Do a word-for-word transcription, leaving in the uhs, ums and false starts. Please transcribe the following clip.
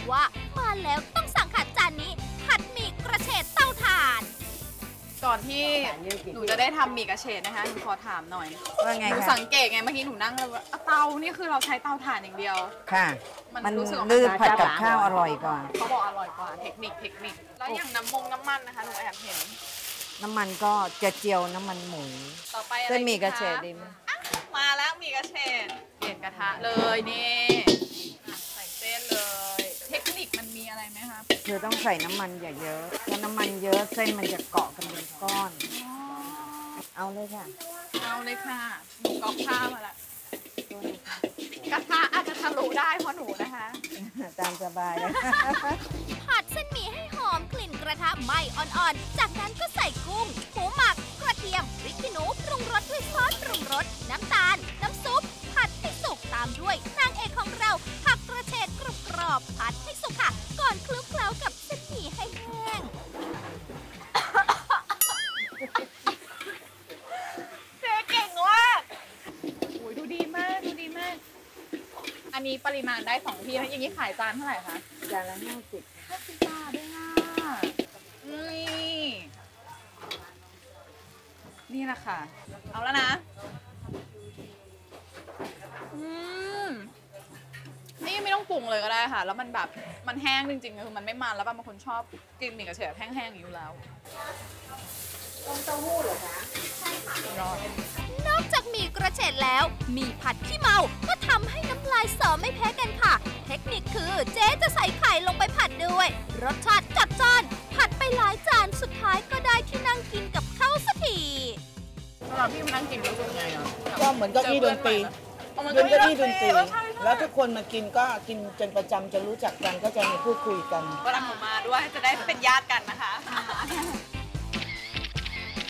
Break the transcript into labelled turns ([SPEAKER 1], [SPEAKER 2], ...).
[SPEAKER 1] ว่ามาแล้วต้องสั่งค่ะจานนี้ผัดหมี่กระเฉดเต้าถ่าน
[SPEAKER 2] ก่อนที่หนูจะได้ทำหมี่กระเฉดนะคะหนูขอถามหน่อย
[SPEAKER 3] ว่าไงคะ
[SPEAKER 2] หนูสังเกตไงเมื่อกี้หนูนั่งแล้วเตานี่คือเราใช้เตาถ่านอย่างเดียว
[SPEAKER 3] ค่ะ
[SPEAKER 2] มันรู้สึก
[SPEAKER 3] ลื่นผัดกับข้าวอร่อยกว่า
[SPEAKER 2] เขาบอกอร่อยกว่าเทคนิคเทคนิคแล้วอย่างน้ำมงน้ำมันนะคะหนูแอบเห็น
[SPEAKER 3] น้ำมันก็จะเจียวน้ำมันหมู
[SPEAKER 2] ต่อไป
[SPEAKER 3] เส้นหมี่กระเฉดดีไหม
[SPEAKER 2] มาแล้วหมี่กระเฉดเปลี่ยนกระทะเลยนี่ใส่เส้นเลยเทคนิคมันมีอะไรไหมคะ
[SPEAKER 3] คือต้องใส่น้ำมันอย่าเยอะถ้าน้ำมันเยอะเส้นมันจะเกาะกันเป็นก้อนเอาเลยค่ะ
[SPEAKER 2] เอาเลยค่ะหนูก๊อกข้าวมาละกระทะอาจจะทะลุได้เพราะหนูนะคะ
[SPEAKER 3] ตามสบายเลย
[SPEAKER 1] ผัดเส้นหมี่ให้หอมกลิ่นกระทะไหม้อ่อนๆจากนั้นก็ใส่กุ้งหมูหมักกระเทียมพริกขี้หนูปรุงรสด้วยซอสปรุงรสน้ำตาลน้ำซุปผัดให้สุกตามด้วยนางเอกของเราผักกระเฉดกรอบๆผัดให้สุกค่ะก่อนคลุกเคล้ากับเส้นหมี่ให้แห้ง
[SPEAKER 2] เจ๊เก่งมากโอ้ยดูดีมากดูดีมากอันนี้ปริมาณได้สองที่นะอย่างนี้ขายจานเท่าไหร่คะ
[SPEAKER 3] จานละห้าสิบ
[SPEAKER 2] ห้าสิบบาทด้วยค่ะนี่นี่แหละค่ะเอาแล้วนะอืมนี่ไม่ต้องปรุงเลยก็ได้ค่ะแล้วมันแบบมันแห้งจริงๆคือมันไม่มันแล้วบางคนชอบกินหมี่กระเฉดแห้งๆอยู่แล้ว
[SPEAKER 3] ต้มเต้าหู้เหรอคะ
[SPEAKER 2] ใช่ค่ะร้อน
[SPEAKER 1] นอกจากหมี่กระเฉดแล้วหมี่ผัดขี้เมาก็ทำให้น้ำลายสอไม่แพ้กันค่ะเทคนิคคือเจ๊จะใส่ไข่ลงไปผัดด้วยรสชาติจัดจ้านผัดไปหลายจานสุดท้ายก็ได้ที่นั่งกินกับข้าวสักที
[SPEAKER 2] สำหรับพี่มานั่งกินรู้สึกไงอ่ะ
[SPEAKER 4] ก็เหมือนเก้าอี้ดนตรีเก้าอี้ดนตรีแล้วทุกคนมากินก็กินจนประจำจะรู้จักกันก็จะมีพูดคุยกัน
[SPEAKER 2] เวลาหนูมาด้วยจะได้เป็นญาติกันนะคะ